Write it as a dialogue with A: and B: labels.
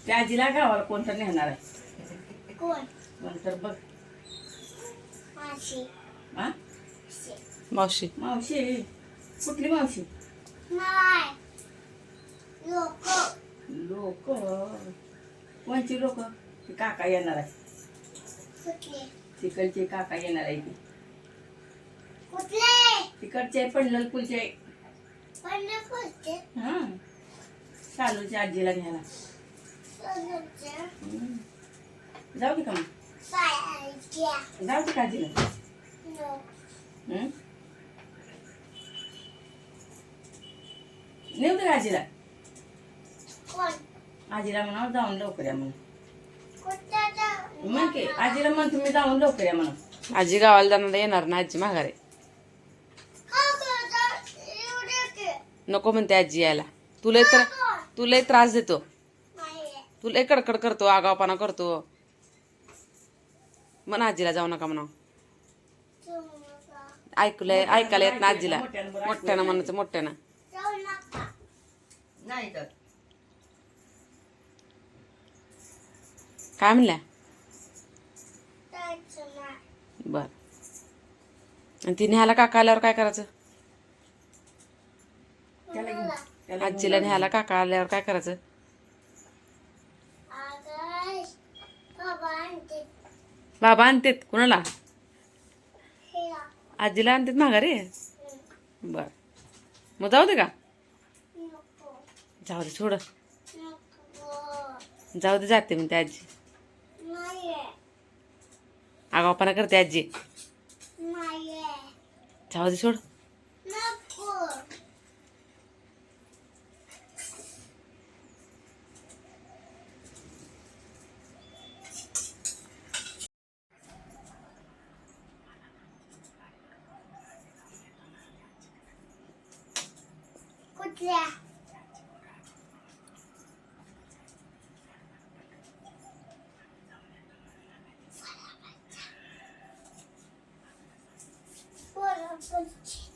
A: त्या आजीला गावाला कोणतर नेणार आहे.
B: कोण?
A: नंतर बघ.
B: मावशी.
A: हा
C: मावशी.
A: मावशी. कुठली मावशी?
B: नाही. लोक.
A: लोक. कोणची लोक? ती काका येणार आहे.
B: कुठले?
A: तिकडचे काका येणार आहे ती.
B: कुठले?
A: तिकडचे पंढरपूरचे.
B: पंढरपूरचे.
A: हा शालूच्या आजीला घ्यायला.
B: सोनूचे.
A: जाऊ दे का मग?
B: पायाच्या.
A: जाऊ दे का आजीला?
B: लोक.
A: नेऊ दे का आजीला?
B: कोण?
A: आजीला म्हणा जाऊन लवकर या म्हणून.
B: कुठं?
A: मग की आजीला म्हण तुम्ही जाऊन लवकर या म्हणून.
C: आजी गावाला जाणार येणार ना, आजी माघारे. नको म्हणते आजी यायला. तुला त्रास देतो. तू लय कडकड करतो, आगावपणा करतो. म्हणा आजीला जाऊ नका म्हणा. ऐकायला येत ना आजीला. मोठ्यानं म्हणायचं, मोठ्यानं.
A: नाही तर
C: काय म्हणल्या? बर. आणि ती न्यायला काका आल्यावर काय करायचं?
A: त्याला घेऊन
C: आजीला न्यायला काका आल्यावर काय करायचं? बाबा आणतेत कुणाला? आजीला आणतेत माघारी. बर. मग जाऊ दे का? जाऊ दे, सोड. जाऊ दे, जाते म्हणते आजी. आगावपणा करते आजी. जाऊ दे, सोड.
B: कुठल्या? बरोबर.